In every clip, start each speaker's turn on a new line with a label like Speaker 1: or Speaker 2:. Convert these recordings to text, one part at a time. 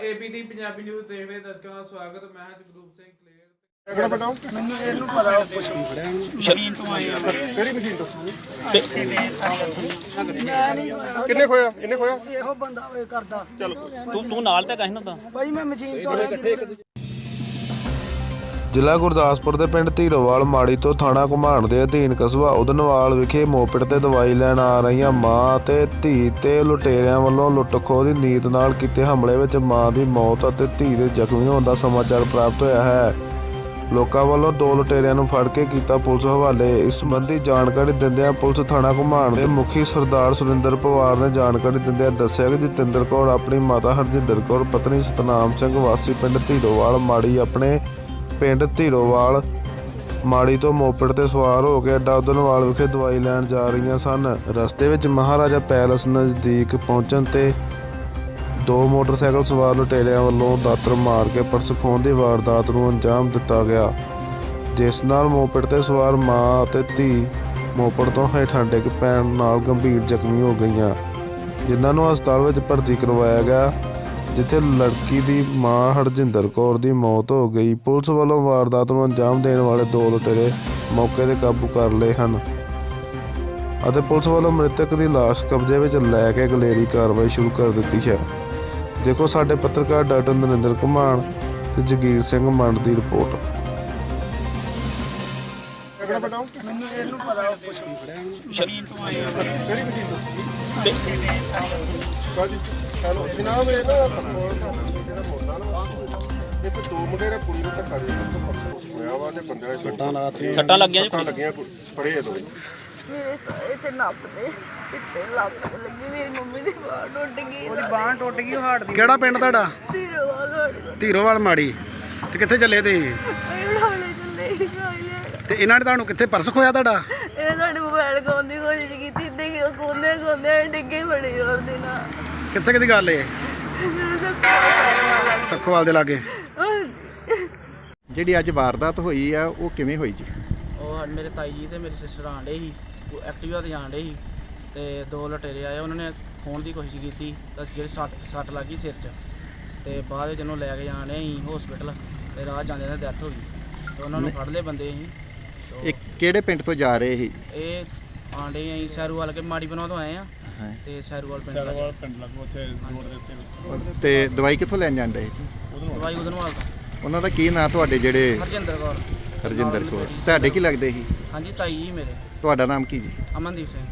Speaker 1: ਏਬੀਟੀ Punjabi news ਦੇਖ ਰਹੇ ਦਰਸ਼ਕਾਂ ਦਾ ਸਵਾਗਤ। ਮੈਂ ਹਾਂ ਜਗਰੂਪ ਸਿੰਘ ਕਲੇਰ।
Speaker 2: ਮੈਨੂੰ ਇਹਨੂੰ ਪਤਾ ਕੁਛ ਨਹੀਂ ਫੜਿਆ
Speaker 3: ਮਸ਼ੀਨ ਤੋਂ ਆਏ ਆ।
Speaker 2: ਕਿਹੜੀ ਮਸ਼ੀਨ ਤੋਂ ਮੈਂ ਨਹੀਂ
Speaker 4: ਕਿੰਨੇ ਖੋਇਆ ਇਹਨੇ ਖੋਇਆ
Speaker 2: ਇਹੋ ਬੰਦਾ ਵੇ ਕਰਦਾ।
Speaker 4: ਚਲੋ
Speaker 3: ਤੂੰ ਨਾਲ ਤਾਂ ਕਹਿਣਾ ਤਾਂ
Speaker 2: ਭਾਈ ਮੈਂ ਮਸ਼ੀਨ ਤੋਂ ਆਇਆ।
Speaker 5: ਜ਼ਿਲ੍ਹਾ ਗੁਰਦਾਸਪੁਰ ਦੇ ਪਿੰਡ ਧੀਰੋਵਾਲ ਮਾੜੀ ਤੋਂ ਥਾਣਾ ਘੁਮਾਣ ਦੇ ਅਧੀਨ ਕਸਬਾ ਉਦਨਵਾਲ ਵਿਖੇ ਮੋਪਿਟ ਤੇ ਦਵਾਈ ਲੈਣ ਆ ਰਹੀਆਂ ਮਾਂ ਤੇ ਧੀ ਤੇ ਲੁਟੇਰਿਆਂ ਵੱਲੋਂ ਲੁੱਟ-ਖੋਹ ਦੀ ਨੀਤ ਨਾਲ ਕੀਤੇ ਹਮਲੇ ਵਿੱਚ ਮਾਂ ਦੀ ਮੌਤ ਅਤੇ ਧੀ ਦੇ ਜ਼ਖਮੀ ਹੋਣ ਦਾ ਸਮਾਚਾਰ ਪ੍ਰਾਪਤ ਹੋਇਆ ਹੈ। ਲੋਕਾਂ ਵੱਲੋਂ 2 ਲੁਟੇਰਿਆਂ ਨੂੰ ਫੜ ਕੇ ਕੀਤਾ ਪੁਲਿਸ ਹਵਾਲੇ। ਇਸ ਸੰਬੰਧੀ ਜਾਣਕਾਰੀ ਦਿੰਦਿਆਂ ਪੁਲਿਸ ਥਾਣਾ ਘੁਮਾਣ ਦੇ ਮੁਖੀ ਸਰਦਾਰ ਸੁਰਿੰਦਰ ਪਵਾਰ ਨੇ ਜਾਣਕਾਰੀ ਦਿੰਦਿਆਂ ਦੱਸਿਆ ਕਿ ਜਤਿੰਦਰ ਕੌਰ ਆਪਣੀ ਮਾਤਾ ਹਰਜਿੰਦਰ ਕੌਰ ਪਤਨੀ ਸਤਨਾਮ ਸਿੰਘ ਵਾਸੀ ਪਿੰਡ ਧੀਰੋਵਾਲ ਮਾੜੀ ਆਪਣੇ ਪਿੰਡ ਧੀਰੋਵਾਲ ਮਾੜੀ ਤੋਂ ਮੋਪਿਟ ਤੇ ਸਵਾਰ ਹੋ ਕੇ ਅੱਡਾ ਉਦਨਵਾਲ ਵਿਖੇ ਦਵਾਈ ਲੈਣ ਜਾ ਰਹੀਆਂ ਸਨ। ਰਸਤੇ ਵਿੱਚ ਮਹਾਰਾਜਾ ਪੈਲਸ ਨਜ਼ਦੀਕ ਪਹੁੰਚਣ ਤੇ 2 ਮੋਟਰਸਾਈਕਲ ਸਵਾਰ ਲੁਟੇਰਿਆਂ ਵੱਲੋਂ ਦਾਤਰ ਮਾਰ ਕੇ ਪਰਸ ਖੋਹਣ ਦੀ ਵਾਰਦਾਤ ਨੂੰ ਅੰਜਾਮ ਦਿੱਤਾ ਗਿਆ, ਜਿਸ ਨਾਲ ਮੋਪਿਟ ਤੇ ਸਵਾਰ ਮਾਂ ਅਤੇ ਧੀ ਮੋਪਿਟ ਤੋਂ ਹੇਠਾਂ ਡਿੱਗ ਪੈਣ ਨਾਲ ਗੰਭੀਰ ਜ਼ਖਮੀ ਹੋ ਗਈਆਂ, ਜਿਨ੍ਹਾਂ ਨੂੰ ਹਸਪਤਾਲ ਵਿੱਚ ਭਰਤੀ ਕਰਵਾਇਆ ਗਿਆ, ਜਿੱਥੇ ਲੜਕੀ ਦੀ ਮਾਂ ਹਰਜਿੰਦਰ ਕੌਰ ਦੀ ਮੌਤ ਹੋ ਗਈ। ਪੁਲਿਸ ਵੱਲੋਂ ਵਾਰਦਾਤ ਨੂੰ ਅੰਜਾਮ ਦੇਣ ਵਾਲੇ 2 ਲੁਟੇਰੇ ਮੌਕੇ ਤੇ ਕਾਬੂ ਕਰ ਲਏ ਹਨ ਅਤੇ ਪੁਲਿਸ ਵੱਲੋਂ ਮ੍ਰਿਤਕ ਦੀ ਲਾਸ਼ ਕਬਜ਼ੇ ਵਿੱਚ ਲੈ ਕੇ ਅਗਲੇਰੀ ਕਾਰਵਾਈ ਸ਼ੁਰੂ ਕਰ ਦਿੱਤੀ ਹੈ। ਦੇਖੋ ਸਾਡੇ ਪੱਤਰਕਾਰ ਡਾਕਟਰ ਨਰਿੰਦਰ ਘੁਮਾਣ ਤੇ ਜਗੀਰ ਸਿੰਘ ਮੰਡ ਦੀ ਰਿਪੋਰਟ।
Speaker 2: ਮੈਨੂੰ ਇਹਨੂੰ ਪਤਾ ਕੁਛ ਨਹੀਂ ਫੜਿਆ
Speaker 3: ਮਸ਼ੀਨ ਤੋਂ ਆਏ ਆ।
Speaker 4: ਕਿਹੜੀ ਮਸ਼ੀਨ ਤੋਂ ਕਾਜੀ ਚਲੋ ਜਨਾਬ ਇਹ ਨਾ ਜਿਹੜਾ ਮੋਟਾ ਨਾ ਇਹ ਤੇ 2 ਮੁੰਡੇ ਨੇ ਕੁੜੀ ਨੂੰ ਧੱਕਾ ਦੇ ਕੇ ਪਰਸ ਹੋਇਆ ਵਾ ਤੇ ਬੰਦੇ ਨੇ
Speaker 3: ਸੱਟਾਂ ਲੱਗੀਆਂ ਜੀ।
Speaker 4: ਸੱਟਾਂ ਲੱਗੀਆਂ ਫੜੇ ਇਹ 2
Speaker 6: ਮੇਰੇ ਸਾਰੇ ਤੇ ਨੱਪਦੇ ਪਿੱਤੇ ਲੱਤ ਲੱਗੀ। ਮੇਰੀ ਮੰਮੀ ਦੀ ਬਾਂਹ ਟੁੱਟ ਗਈ।
Speaker 2: ਉਹਦੀ ਬਾਂਹ ਟੁੱਟ ਗਈ। ਉਹ ਹਾਰਟ ਦੀ ਕਿਹੜਾ ਪਿੰਡ ਤੁਹਾਡਾ?
Speaker 6: ਧੀਰੋਵਾਲ
Speaker 2: ਧੀਰੋਵਾਲ ਮਾੜੀ। ਤੇ ਕਿੱਥੇ ਚੱਲੇ ਤੁਸੀਂ?
Speaker 6: ਇਹ ਹਾਲੇ ਚੱਲੇ ਜਾਈਏ।
Speaker 2: ਤੇ ਇਹਨਾਂ ਨੇ ਤੁਹਾਨੂੰ ਕਿੱਥੇ ਪਰਸ ਖੋਇਆ ਤੁਹਾਡਾ?
Speaker 6: ਇਹ ਸਾਡੇ ਮੋਬਾਈਲ ਖੋਹਣ ਦੀ ਕੋਸ਼ਿਸ਼ ਕੀਤੀ ਤੇ ਕੋਨੇ ਡਿੱਗੇ ਬੜੀ ਹੋਰ ਦੇ ਨਾਲ।
Speaker 2: ਕਿੱਥੇ ਦੀ ਗੱਲ ਏ? ਸੱਖੋਵਾਲ ਦੇ ਲਾਗੇ।
Speaker 7: ਜਿਹੜੀ ਅੱਜ ਵਾਰਦਾਤ ਹੋਈ ਆ ਉਹ ਕਿਵੇਂ ਹੋਈ ਜੀ?
Speaker 3: ਉਹ ਮੇਰੇ ਤਾਈ ਜੀ ਤੇ ਮੇਰੀ ਸਿਸਟਰ ਆਣ ਡੇ ਸੀ, ਐਕਟਿਵਾ ਤੇ ਜਾਣ ਡੇ ਸੀ ਤੇ 2 ਲੁਟੇਰੇ ਆਏ। ਉਹਨਾਂ ਨੇ ਖੋਹਣ ਦੀ ਕੋਸ਼ਿਸ਼ ਕੀਤੀ ਤਾਂ ਜਿਹੜੀ ਸੱਟ ਲੱਗੀ ਸਿਰ 'ਚ ਤੇ ਬਾਅਦ ਵਿੱਚ ਉਹਨੂੰ ਲੈ ਕੇ ਜਾਣ ਡੇ ਸੀ ਹਸਪੀਟਲ ਤੇ ਰਾਹ ਜਾਂਦੇ ਨੇ ਡੈਥ ਹੋ ਗਈ ਤੇ ਉਹਨਾਂ ਨੂੰ ਫੜ ਲਏ ਬੰਦੇ ਅਸੀਂ।
Speaker 7: ਇਹ ਕਿਹੜੇ ਪਿੰਡ ਤੋਂ ਜਾ ਰਹੇ ਸੀ?
Speaker 3: ਇਹ ਆਂਡੇ ਅਸੀਂ ਸੈਰੂਵਾਲ ਕੇ ਮਾੜੀ ਬਣਾ ਤੋਂ ਆਏ ਆ ਤੇ ਸੈਰੂਵਾਲ ਪਿੰਡ ਲੱਗੋ ਉੱਥੇ ਰੋਡ ਦੇ ਉੱਤੇ।
Speaker 7: ਤੇ ਦਵਾਈ ਕਿੱਥੋਂ ਲੈਣ ਜਾਂਦੇ?
Speaker 3: ਦਵਾਈ ਉਦਨਵਾਲ ਤੋਂ।
Speaker 7: ਉਹਨਾਂ ਦਾ ਕੀ ਨਾਂ ਤੁਹਾਡੇ ਜਿਹੜੇ?
Speaker 3: ਹਰਜਿੰਦਰ ਕੌਰ।
Speaker 7: ਹਰਜਿੰਦਰ ਕੌਰ। ਤੁਹਾਡੇ ਕੀ ਲੱਗਦੇ ਸੀ?
Speaker 3: ਹਾਂਜੀ ਤਾਈ ਜੀ ਮੇਰੇ।
Speaker 7: ਤੁਹਾਡਾ ਨਾਮ ਕੀ ਜੀ?
Speaker 3: ਅਮਨਦੀਪ ਸਿੰਘ।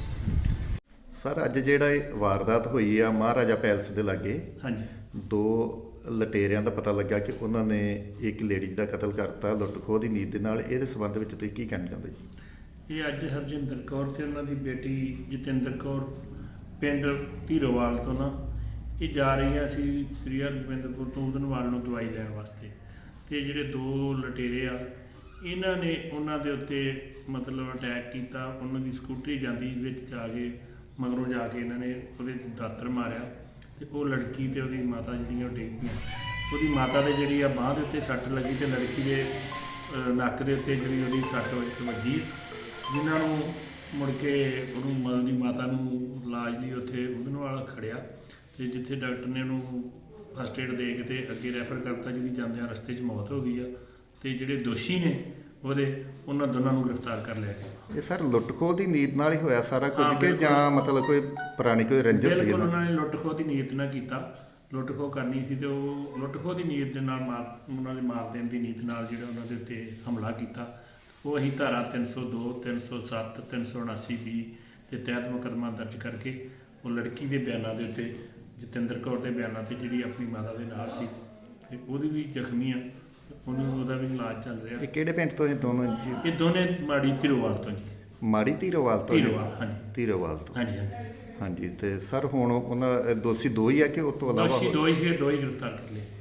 Speaker 7: ਸਰ ਅੱਜ ਜਿਹੜਾ ਇਹ ਵਾਰਦਾਤ ਹੋਈ ਆ ਮਹਾਰਾਜਾ ਪੈਲਸ ਦੇ ਲਾਗੇ,
Speaker 8: ਹਾਂਜੀ
Speaker 7: 2 ਲਟੇਰਿਆਂ ਦਾ ਪਤਾ ਲੱਗਾ ਕਿ ਉਹਨਾਂ ਨੇ ਇੱਕ ਲੇਡੀ ਦਾ ਕਤਲ ਕਰਤਾ ਲੁੱਟ-ਖੋਹ ਦੀ ਨੀਤ ਦੇ ਨਾਲ। ਇਹਦੇ ਸੰਬੰਧ ਵਿੱਚ ਤੁਸੀਂ ਕੀ ਕਹਿਣਾ ਚਾਹੁੰਦੇ ਜੀ?
Speaker 8: ਇਹ ਅੱਜ ਹਰਜਿੰਦਰ ਕੌਰ ਤੇ ਉਹਨਾਂ ਦੀ ਬੇਟੀ ਜਤਿੰਦਰ ਕੌਰ ਪਿੰਡ ਧੀਰੋਵਾਲ ਤੋਂ ਨਾ ਇਹ ਜਾ ਰਹੀਆਂ ਸੀ ਸ੍ਰੀ ਹਰਗੋਬਿੰਦਪੁਰ ਤੋਂ ਉਦਨਵਾਲ ਨੂੰ ਦਵਾਈ ਲੈਣ ਵਾਸਤੇ। ਤੇ ਜਿਹੜੇ 2 ਲਟੇਰੇ ਆ ਇਹਨਾਂ ਨੇ ਉਹਨਾਂ ਦੇ ਉੱਤੇ ਮਤਲਬ ਅਟੈਕ ਕੀਤਾ। ਉਹਨਾਂ ਦੀ ਸਕੂਟਰੀ ਜਾਂਦੀ ਵਿੱਚ ਜਾ ਕੇ ਮਗਰੋਂ ਜਾ ਕੇ ਇਹਨਾਂ ਨੇ ਉਹਦੇ 'ਚ ਦਾਤਰ ਮਾਰਿਆ ਤੇ ਉਹ ਲੜਕੀ ਤੇ ਉਹਦੀ ਮਾਤਾ ਜਿਹੜੀਆਂ ਉਹ ਡਿੱਗ ਗਈਆਂ। ਉਹਦੀ ਮਾਤਾ ਦੇ ਜਿਹੜੀ ਆ ਬਾਂਹ ਦੇ ਉੱਤੇ ਸੱਟ ਲੱਗੀ ਤੇ ਲੜਕੀ ਦੇ ਨੱਕ ਦੇ ਉੱਤੇ ਜਿਹੜੀ ਉਹਦੀ ਸੱਟ ਵੱਜੀ, ਜਿਨ੍ਹਾਂ ਨੂੰ ਮੁੜ ਕੇ ਉਹਨੂੰ ਮਤਲਬ ਦੀ ਮਾਤਾ ਨੂੰ ਇਲਾਜ ਲਈ ਉੱਥੇ ਉਦਨਵਾਲ ਖੜਿਆ ਤੇ ਜਿੱਥੇ ਡਾਕਟਰ ਨੇ ਉਹਨੂੰ ਫਸਟ ਏਡ ਦੇ ਕੇ ਤੇ ਅੱਗੇ ਰੈਫਰ ਕਰਤਾ, ਜਿਹਦੀ ਜਾਂਦਿਆਂ ਰਸਤੇ 'ਚ ਮੌਤ ਹੋ ਗਈ ਆ। ਤੇ ਜਿਹੜੇ ਦੋਸ਼ੀ ਨੇ ਉਹਨਾਂ ਦੋਨਾਂ ਨੂੰ ਗ੍ਰਿਫਤਾਰ ਕਰ ਲਿਆ ਗਿਆ।
Speaker 7: ਇਹ ਸਰ ਲੁੱਟ-ਖੋਹ ਦੀ ਨੀਤ ਨਾਲ ਹੀ ਹੋਇਆ ਸਾਰਾ ਕੁਝ ਕਿ ਜਾਂ ਮਤਲਬ ਕੋਈ ਪੁਰਾਣੀ ਕੋਈ ਰੰਜਿਸ਼ ਸੀ?
Speaker 8: ਬਿਲਕੁਲ ਉਹਨਾਂ ਨੇ ਲੁੱਟ-ਖੋਹ ਦੀ ਨੀਤ ਨਾਲ ਕੀਤਾ। ਲੁੱਟ-ਖੋਹ ਕਰਨੀ ਸੀ ਤੇ ਉਹ ਲੁੱਟ-ਖੋਹ ਦੀ ਨੀਤ ਦੇ ਨਾਲ ਉਹਨਾਂ ਦੇ ਮਾਰ ਦੇਣ ਦੀ ਨੀਤ ਨਾਲ ਜਿਹੜਾ ਉਹਨਾਂ ਦੇ ਉੱਤੇ ਹਮਲਾ ਕੀਤਾ। ਉਹ ਅਸੀਂ ਧਾਰਾ 302, 307, 379B ਦੇ ਤਹਿਤ ਮੁਕੱਦਮਾ ਦਰਜ ਕਰਕੇ ਉਹ ਲੜਕੀ ਦੇ ਬਿਆਨਾਂ ਦੇ ਉੱਤੇ, ਜਤਿੰਦਰ ਕੌਰ ਦੇ ਬਿਆਨਾਂ ਤੇ ਜਿਹੜੀ ਆਪਣੀ ਮਾਤਾ ਦੇ ਨਾਲ ਸੀ ਤੇ ਉਹਦੀ ਵੀ ਜ਼ਖਮੀ ਆ, ਉਹਦਾ ਵੀ ਇਲਾਜ ਚੱਲ ਰਿਹਾ।
Speaker 7: ਇਹ ਕਿਹੜੇ ਪਿੰਡ ਤੋਂ ਇਹ ਦੋਨੋਂ ਜੀ?
Speaker 8: ਇਹ ਦੋਨੇ ਮਾੜੀ ਧੀਰੋਵਾਲ ਤੋਂ ਜੀ।
Speaker 7: ਮਾੜੀ ਧੀਰੋਵਾਲ ਤੋਂ?
Speaker 8: ਧੀਰੋਵਾਲ, ਹਾਂਜੀ
Speaker 7: ਧੀਰੋਵਾਲ ਤੋਂ।
Speaker 8: ਹਾਂਜੀ ਹਾਂਜੀ।
Speaker 7: ਹਾਂਜੀ। ਤੇ ਸਰ ਹੁਣ ਉਹਨਾਂ ਦੋਸ਼ੀ 2 ਹੀ ਆ ਕਿ ਉਸ ਤੋਂ ਇਲਾਵਾ?
Speaker 8: ਦੋਸ਼ੀ 2 ਹੀ ਸੀਗੇ, 2 ਹੀ ਗ੍ਰਿਫਤਾਰ ਕਰ ਲਏ।